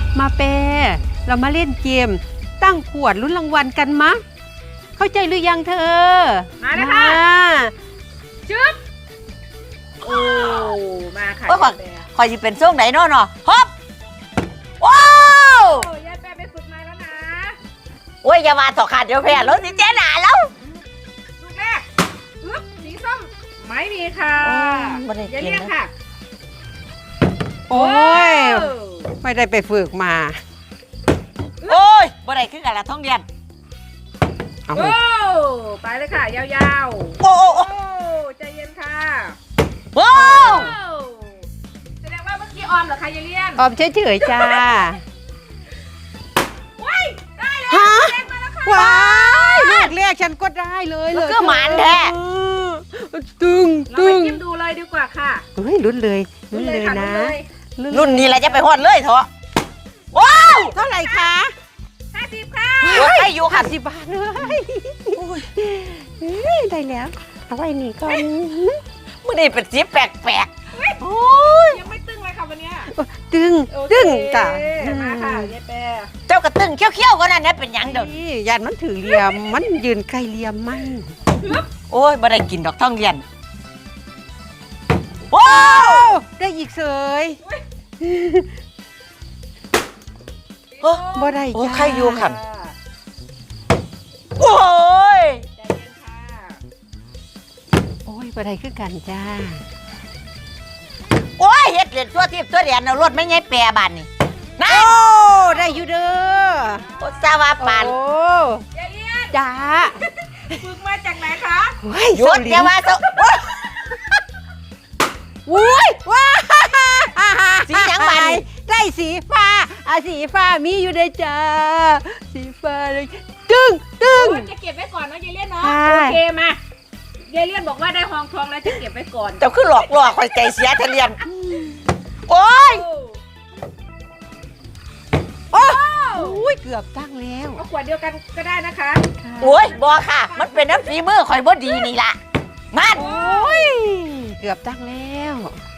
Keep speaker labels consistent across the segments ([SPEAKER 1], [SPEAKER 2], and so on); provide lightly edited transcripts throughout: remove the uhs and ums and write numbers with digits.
[SPEAKER 1] มาเปเรามาเล่นเกมตั้งขวดลุ้นรางวัลกันมะเข้าใจหรือยังเธอ
[SPEAKER 2] มานะคะจึ๊บโอ้มาค่ะ
[SPEAKER 3] คอยจะเป็นช่วงไหนเนาะฮอปว้าวยายแปะ
[SPEAKER 2] ไปฝึกมาแล้วนะ
[SPEAKER 3] โอ้ยอย่ามาต่อขาดเดี๋ยวแพ้แล้วสิเจ๊หนาแล้ว
[SPEAKER 2] ลูกแรกสีส้มไม่มีค่ะอย่าเรียกค่ะ
[SPEAKER 1] โอ้ยไม่ได้ไปฝึกมา
[SPEAKER 3] โอ้ยบ่ได้ขึ้นกันละท้องเรียน
[SPEAKER 2] โอ้ไปเลยค่ะยาวๆ
[SPEAKER 3] โอ้
[SPEAKER 2] ใจเย็นค่ะ
[SPEAKER 3] โอ้
[SPEAKER 2] แสดงว่าเมื่อกี้ออมเหรอคะยายเลียน
[SPEAKER 1] ออมเฉยๆจ้า
[SPEAKER 2] ว้ายได้แล้วเล่นมาแล้วค่ะ
[SPEAKER 1] ว้ายเรียกฉันก็ได้เลย
[SPEAKER 3] ก็หมานแท้
[SPEAKER 1] ตึง
[SPEAKER 2] เราไปจิ้มดูเลยดีกว่าค่ะ
[SPEAKER 1] เฮ้ยลุ้นเลยนะ
[SPEAKER 3] รุ่นนี้แหละจะไปฮอดเลยเถอะว้าว
[SPEAKER 1] เท่าไหร่คะ
[SPEAKER 2] 50ค่ะ
[SPEAKER 3] ให้อยู่ค่ะ
[SPEAKER 1] 50 บาทเลยได้แล้วเอาไว้นี่ก่อน
[SPEAKER 3] มื่อนี้เป็นสีแปลก
[SPEAKER 2] โอ้ยยังไม่ตึงเลยค่ะวันนี้
[SPEAKER 1] ตึงจ้ะ
[SPEAKER 2] มาค่ะยายแปะ
[SPEAKER 3] เจ้ากระตึงเขี้ยวๆก็นั่นนะเป็นยังเดี๋ยว
[SPEAKER 1] ยันมันถือเหลี่ยมมันยืนใกล้เหลี่ยมมัน
[SPEAKER 3] โอ้ยบ่ได้กินดอกท่องเรียนว้าว
[SPEAKER 1] ได้อีกเสย
[SPEAKER 3] บ่
[SPEAKER 1] ได้
[SPEAKER 3] โอ้ใครอยู่ขันโอ้ย
[SPEAKER 2] ใจเย็นค่ะ
[SPEAKER 1] โอ้ยบ่ได้คือกันจ้า
[SPEAKER 3] โอ้ยเฮ็ดเล่นตัวทิพย์ตัวเรียนเอารถไม่ไงแปรบานนี่
[SPEAKER 1] นะโอ้ได้อยู่เด้
[SPEAKER 3] อสาวาปาน
[SPEAKER 1] โอ้
[SPEAKER 2] ยายเลียน
[SPEAKER 1] จ้า
[SPEAKER 2] ฝึกมาจากไหนคะ
[SPEAKER 3] หยุดอย่ามา
[SPEAKER 1] อุ้ยว้า
[SPEAKER 3] สีหยังบาน
[SPEAKER 1] ได้สีฟ้ามีอยู่ในจ้าสีฟ้าเลยตึ้ง
[SPEAKER 2] จะเก็บไว้ก่อนเนาะยายเลียนเนาะโอเคมายายเลียนบอกว่าได้ทองแล้วจะเก็บไว้ก่อน
[SPEAKER 3] เจ้าคือหลอกคอยใจเสียทะเลียนโอ้ย
[SPEAKER 1] โอ้ยเกือบตั้งแล้ว
[SPEAKER 2] เอาขวดเดียวกันก็ได้นะคะ
[SPEAKER 3] โอ้ยบอค่ะมันเป็นน้ำฝีมือคอยบ่ดีนี่ล่ะมัน
[SPEAKER 1] โอ้ยเกือบตั้งแล้ว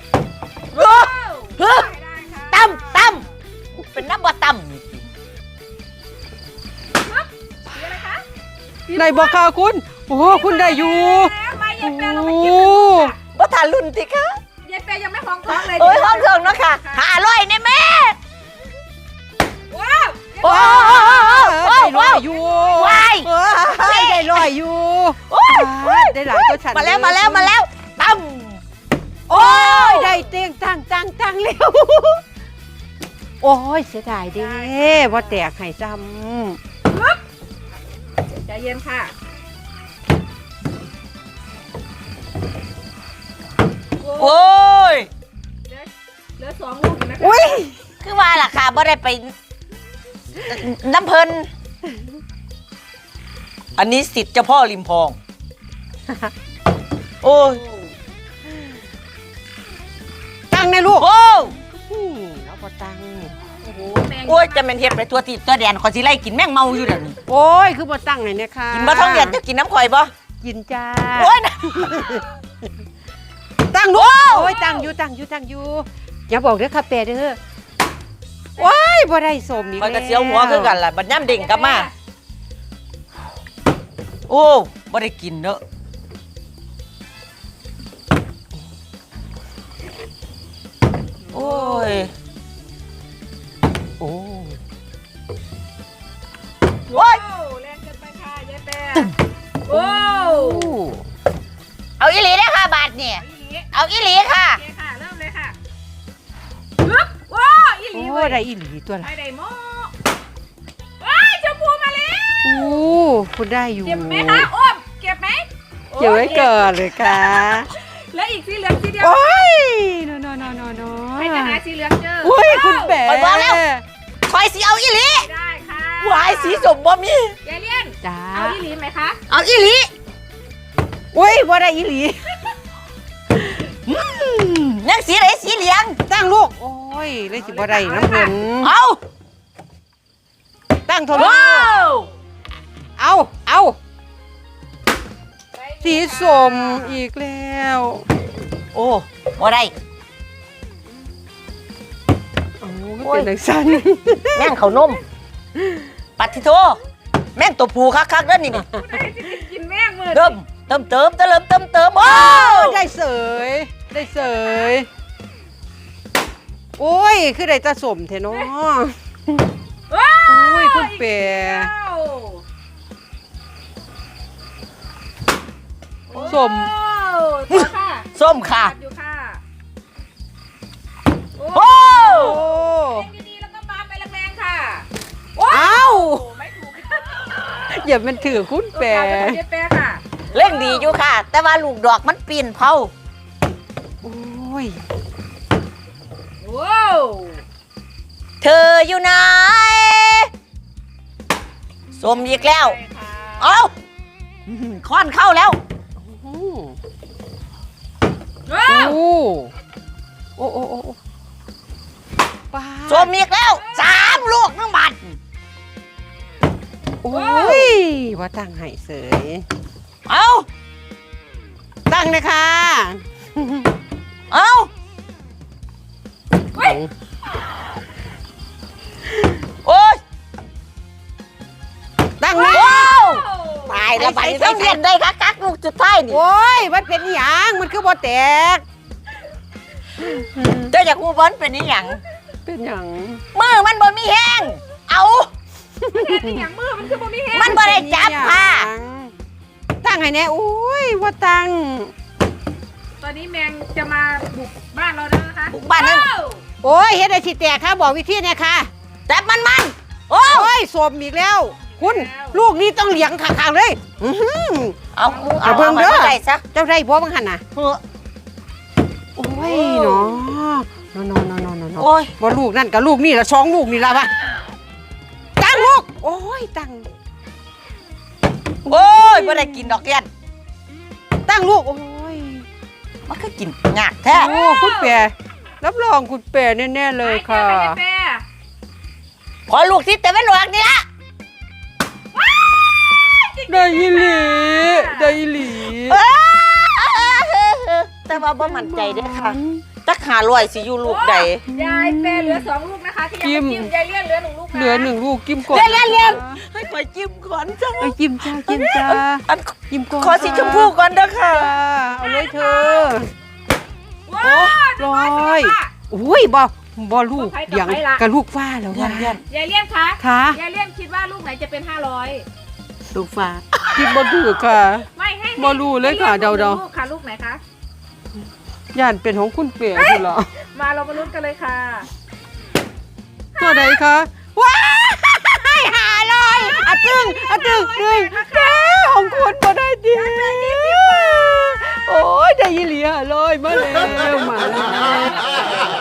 [SPEAKER 3] ตั้มเป็นน้ำบ่ตั้ม
[SPEAKER 1] ในบอกค่ะคุณโอ้คุณได้อยู่
[SPEAKER 2] โอ้
[SPEAKER 3] บ่ทานรุ่นสิคะ
[SPEAKER 2] ยายเปยังไม่ห้องท้องเลย
[SPEAKER 3] โอ้ยห้องเถิงเนาะค่ะ500เนี่ยแม่
[SPEAKER 2] ว้าว
[SPEAKER 3] โอ้
[SPEAKER 1] ได้ลอยอยู่ได้ลอยอยู่ได้หลายตัวฉัน
[SPEAKER 3] มาแล้วตั้ม
[SPEAKER 1] โอ้ยได้เตียงตั้งเร็วโอ้ยเสียดายเด้ว่าแตกไข่จ
[SPEAKER 2] ำใจเย็นค่ะ
[SPEAKER 3] โอ้ย
[SPEAKER 2] เหลือ2 ลูกนะคะ
[SPEAKER 1] อุ้ย
[SPEAKER 3] คือว่าล่ะค่ะบ่ได้ไปน้ำเพลินอันนี้สิทธิ์เจ้าพ่อริมพองโอ้ย
[SPEAKER 1] ตั้งในลูก
[SPEAKER 3] โอ้
[SPEAKER 1] แล้วพอตั้ง
[SPEAKER 3] โอ้ยจะเป็นเห็ดไปตัวติดตัวแดนขอสิไล่กินแมงเมาอยู่เดี๋ยวนี้
[SPEAKER 1] โอ้ยคือพอตั้งไงเนี่ยค่ะ
[SPEAKER 3] กินมาท้องเดือนจะกินน้ำข่อยบ่
[SPEAKER 1] กินจ้า
[SPEAKER 3] โอ้ย
[SPEAKER 1] ตั้งลูกโอ้ยตั้งอยู่อย่าบอกเด้อค่ะเปเด้อว้ายบ่ได้สมอีกแล้ว
[SPEAKER 3] มันก็เสียวหัวคือกันล่ะบัดย่ำเด้งกลับมาโอ้บ่ได้กินเนอะโอ้ย
[SPEAKER 1] โอ้
[SPEAKER 2] ยแรงเกินไปค่ะยายแปะโอ้
[SPEAKER 3] เอาอีหลีได้ค่ะบาทเนี่ยเอาอีหลีค่ะ
[SPEAKER 2] โอเคค่ะเริ่มเลยค่ะว้าอีหลี
[SPEAKER 1] โอ้ได้อีหลีตัวละ
[SPEAKER 2] ไม่ได้โม่ว้ายชมพูมาแล้ว
[SPEAKER 1] โอ้คุณได้อยู่
[SPEAKER 2] เก็บไหมคะอ้อมเก็บไหม
[SPEAKER 1] เก็บไว้ก่อนเลยค่ะ
[SPEAKER 2] แล้วอีกสีเหลืองสีเดียว
[SPEAKER 1] โอ้ยโน
[SPEAKER 2] ให้จะหาสีเหลืองเจอ
[SPEAKER 1] โอ้ยคุณแปะ
[SPEAKER 3] คอยบอกแล้วคอยสีเอาอีหลี
[SPEAKER 2] ได้ค่ะ
[SPEAKER 3] วายสีสมบ่มี
[SPEAKER 2] ยายเลียน
[SPEAKER 1] จ้า
[SPEAKER 2] เอาอีหลีไหมคะ
[SPEAKER 3] เอาอีหลี
[SPEAKER 1] โอ้ยบ่ได้อีหลี
[SPEAKER 3] นั่งสีไหนสีเหลือง
[SPEAKER 1] ตั้งลูกโอ้ยเลยสิบ่ได้น้ำเงิน
[SPEAKER 3] เอา
[SPEAKER 1] ตั้งโทรเอาสีสมอีกแล้ว
[SPEAKER 3] โอ้บ่ได้
[SPEAKER 1] โอ้ก็เป็นจังซั่น
[SPEAKER 3] แม่งเขาวนมปัดทิโทแม่งตัวผูคักๆเด้อนี่
[SPEAKER 2] ผู้ใดจะกินแม่งมือ
[SPEAKER 3] เติมโอ้
[SPEAKER 1] ได้เสยได้เสยโอ้ยคือได้ตาสมเทเนาะ
[SPEAKER 2] ว้า
[SPEAKER 1] อุ้ยคุณเป๋ สม
[SPEAKER 2] ต่อค่ะ
[SPEAKER 3] ส้มค่ะ
[SPEAKER 2] อยู่ค่ะ
[SPEAKER 3] โอ้
[SPEAKER 1] โอ้
[SPEAKER 2] เล่นดีๆแล้วก็ปาไปแรงๆค่ะ
[SPEAKER 1] เอ้า
[SPEAKER 2] โอ้ไม่ถูกค่ะ
[SPEAKER 1] อย่ามันถือคุณเป๋
[SPEAKER 2] ตัวกลางเป็นของเจ๊แปะค่ะ
[SPEAKER 3] เล่งดีอยู่ค่ะ แต่ว่าลูกดอกมันปีนเผา
[SPEAKER 1] โอ้ย
[SPEAKER 2] ว้าว
[SPEAKER 3] เธออยู่ไหนส้มอีกแล้ว
[SPEAKER 2] ใช่ค่ะ
[SPEAKER 3] เอ้าค้อนเข้าแล้ว
[SPEAKER 1] โอ้
[SPEAKER 2] ว้าว
[SPEAKER 1] โอ้โอ้โอ้ป้า
[SPEAKER 3] ส้มอีกแล้ว3 ลูกน้องบัด
[SPEAKER 1] โอ้ยว่าตั้งให้เสย
[SPEAKER 3] เอ้า
[SPEAKER 1] ตั้งเลยค่ะ
[SPEAKER 3] เอ้า
[SPEAKER 2] เฮ้ย
[SPEAKER 3] โอ้ย
[SPEAKER 1] ตั้งเลย
[SPEAKER 3] ว้าวตายแล้วบัดนี้ต้องเรียนได้คักๆลูกสุดท้ายนี่
[SPEAKER 1] โอ้ยมันเป็นหยังมันคือบ่แตก
[SPEAKER 3] เจ้าอยากรู้บอลเป็นนี่หยัง
[SPEAKER 1] เป็นหยัง
[SPEAKER 3] มือมันบ่มีแห้งเอา
[SPEAKER 2] เห็นเป็นอย่างมือมันคือบ่มีแฮง
[SPEAKER 3] มันบ่ได้จับค่ะ
[SPEAKER 1] ตั้งให้แน่โอ้ยว่าตั้ง
[SPEAKER 2] ตอนนี้แมงจะมาบุกบ้านเราแล้วนะคะ
[SPEAKER 3] บุกบ้านนั่น
[SPEAKER 2] ว้ว
[SPEAKER 1] โอ้ยเฮ็ดได้สิแตกค่ะบอกวิธีเนี่ยค่ะ
[SPEAKER 3] จับมันโอ้
[SPEAKER 1] โอ้ยสมอีกแล้ว คุณลูกนี้ต้องเลี้ยงขางๆเลยอื้อหือ
[SPEAKER 3] เอา
[SPEAKER 1] เอาเบิ่งเด้อ
[SPEAKER 3] ไปซะ
[SPEAKER 1] เจ้าได้บ่บังหันน่ะ
[SPEAKER 3] เฮ้อ
[SPEAKER 1] โอ้ยเนาะนอน
[SPEAKER 3] โอ้ย
[SPEAKER 1] บ่ลูกนั่นกับลูกนี่ละ2 ลูกนี่ละวะตั้งลูกโอ้ยตั้ง
[SPEAKER 3] โอ้ยไม่ได้กินดอกเรียน
[SPEAKER 1] ตั้งลูกโอ้ย
[SPEAKER 3] มันก็กินงากแท้
[SPEAKER 1] โอ้คุณแปรรับรองคุณแปรแน่ๆเลยค่ะ
[SPEAKER 2] ไปเจ๊แปะ
[SPEAKER 3] พอลูกที่แต่ไม่หลวกนี่ละ
[SPEAKER 1] ได้อีหลีได้อีหลี
[SPEAKER 3] เอ้อแต่ว่าบ่มั่นใจเด้อค่ะจัก500สิอยู่ลูกใด
[SPEAKER 2] ยายแปะเหลือ2 ลูกนะคะที่ยังไม่จิ้มยายเลี่ยนเหลือ1 ลูกนะ
[SPEAKER 1] เหลือ1 ลูกจิ้มก่อน
[SPEAKER 3] เรียนให้ข่อยจิ้มก่อนจ้า
[SPEAKER 1] ไปจิ้มจ้าจิ้มจ้า
[SPEAKER 3] อัน
[SPEAKER 1] จิ้มก่อน
[SPEAKER 3] ขอสีชมพูก่อนเด้อค่ะ
[SPEAKER 1] จ้าเอาเลยเธอ
[SPEAKER 2] ว้าว
[SPEAKER 1] ร้อยอุ้ยบ่ลูกเลี้ยงกับลูกฟ้าแล้วว่ะ
[SPEAKER 2] ยายเลี่ยนคะ
[SPEAKER 1] ค่ะ
[SPEAKER 2] ยายเลี่ยนคิดว่าลูกไหนจะเป็น500
[SPEAKER 1] ลูกฟ้าคิดบ่ถูกค่ะ
[SPEAKER 2] ไม่ให้
[SPEAKER 1] บ่รู้เลยค่ะเดาๆ
[SPEAKER 2] ลูกค่ะลูกไหนคะ
[SPEAKER 1] ย่านเป็นของคุณเปียคุณเหรอ
[SPEAKER 2] มาเรามาลุ้นกันเลยค่ะ
[SPEAKER 1] ตัวใดคะว้ายหาเลยอะตึงดึงแม่ของคุณบ่ได้ดีโอ้ยได้ยีเหลียเลยมาแล้ว